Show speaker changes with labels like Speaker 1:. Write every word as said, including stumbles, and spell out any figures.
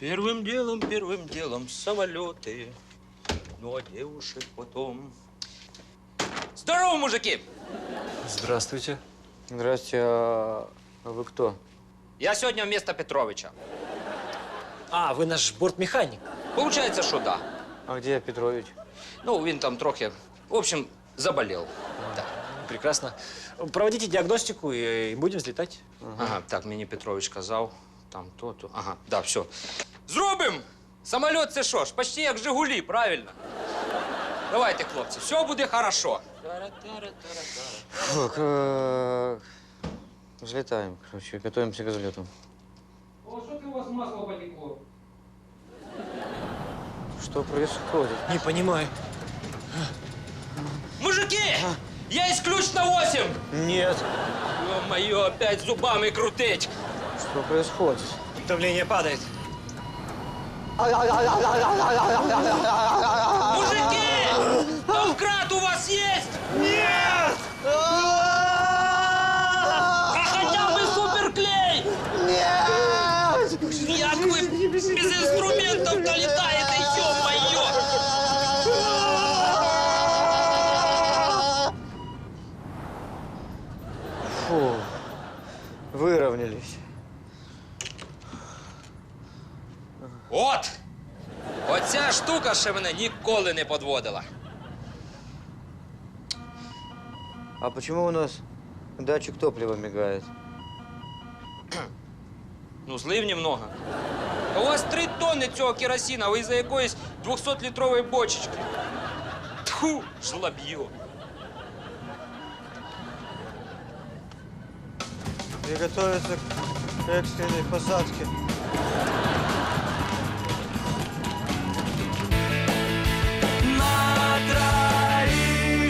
Speaker 1: Первым делом, первым делом самолеты, ну а девушек потом. Здорово, мужики!
Speaker 2: Здравствуйте.
Speaker 3: Здрасте, а вы кто?
Speaker 1: Я сегодня вместо Петровича.
Speaker 2: А, вы наш бортмеханик.
Speaker 1: Получается, что да.
Speaker 3: А где Петрович?
Speaker 1: Ну, він там трохи, в общем, заболел. Да.
Speaker 2: Прекрасно. Проводите диагностику и, и будем взлетать.
Speaker 1: Ага, так, мені Петрович казав, там то, то. Ага, да, все. Зробим! Самоліт це що ж, почти як Жигулі, правильно? Давайте, хлопці, все буде хорошо.
Speaker 3: Так, э, взлетаем, короче, готовимся к взлету.
Speaker 1: О, що ти у вас масло потекло?
Speaker 3: Что происходит?
Speaker 2: Не понимаю.
Speaker 1: Мужики! Есть ключ на восемь!
Speaker 3: Нет.
Speaker 1: Ё-моё, опять зубами крутить!
Speaker 3: Что происходит?
Speaker 2: Давление падает.
Speaker 1: Мужики! Домкрат у вас есть?
Speaker 3: Нет!
Speaker 1: А хотя бы суперклей!
Speaker 3: Нет!
Speaker 1: Як ви без інструментів долітаєте, ё-моё!
Speaker 3: Фу, выровнялись.
Speaker 1: От! Оця штука ще мене ніколи не подводила.
Speaker 3: А почему у нас датчик топлива мигает?
Speaker 1: Ну, злив немного. А у вас три тонни цього керосина, ви за якоїсь двохсотлітрової бочечки. Тьфу, жлоб'ю.
Speaker 3: Приготовиться к экстренной посадке.